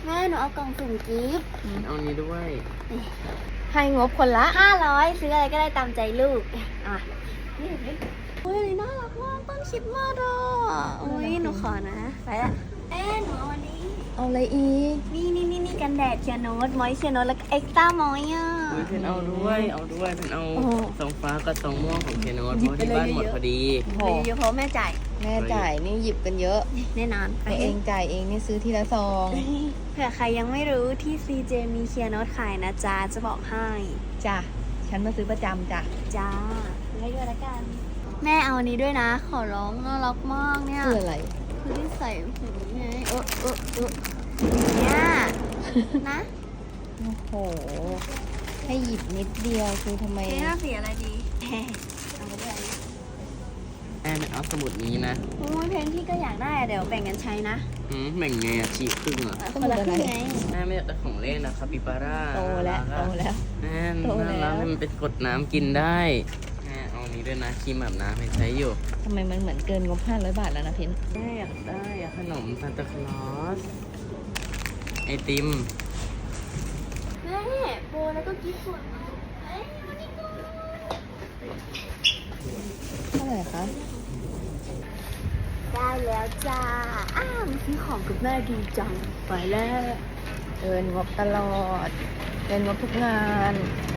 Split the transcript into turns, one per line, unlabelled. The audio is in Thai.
แม่หนูเอากล่องสุ่มกิฟต์
เอานี้ด้วย
ให้งบคนละ
500ซื้ออะไรก็ได้ตามใจลูกอ่ะนี่โอ้ยอันนี้น่ารักมากต้นคริดมากอ่ะโอ้ยหนูขอนะไปละหนูเอาอันนี้
เอาอะไรอีก
นี่กันแดดเชียร์โนตมอยเชียร์โนตแล้วก็เอ็กซ์ต้ามอยอ่ะ
เพนเอาด้วยเพนเอาซองฟ้ากับซองม่วงของเคโนตเพราะที่บ้านหมดพอดี
โห
เยอะเพราะแม่จ่าย
แม่จ่ายนี่หยิบกันเยอะ
แน่นอน
ตัวเองจ่ายเองนี่ซื้อทีละซอง
เผื่อใครยังไม่รู้ที่ CJ มีเชียร์โนตขายนะจ๊ะจะบอกให้
จ้ะ ฉันมาซื้อประจำจ้ะ
จ้าซื้อให้ด้วยละกัน แม่เอาอันนี้ด้วยนะ ขอร้องน่ารักมากเนี่ย
คืออะไร
คือที่ใส่หูไงเนี่ยนะ
โอ้โห ให้หยิบนิดเดียวคือทำไม
เจ๊น่าสีอะไรดีเอาไปด้วย
แอนเอาสมุดนี้นะ
โอ้ยเพนพี่ก็อยากได้อะเดี๋ยวแบ่งกันใช้นะ
แบ่งไงอะฉีกครึ่งอะ
คนละครึ่งไง
แม่ไม่อยากได้ของเล่นนะคาปิบาร่า
โตแล้วโตแล้ว
แอน
โตแล้ว
น่ารักมันเป็นกดน้ำกินได้แม่เอานี้ด้วยนะครีมอาบน้ำให้ใช้อยู่
ทำไมมันเหมือนเกินงบ500 บาทแล้วนะเพน
แม่อยากได้อะขนมซานตาคลอสไอติม
แม่โบแล้วก็กิ๊บส่วนเฮ้ยมานี่ก่อน
เท่าไหร่คะ
ได้แล้วจ้ามาซื้อของกับแม่ดีจังไปแล้ว
เกินงบตลอด เกินงบทุกงาน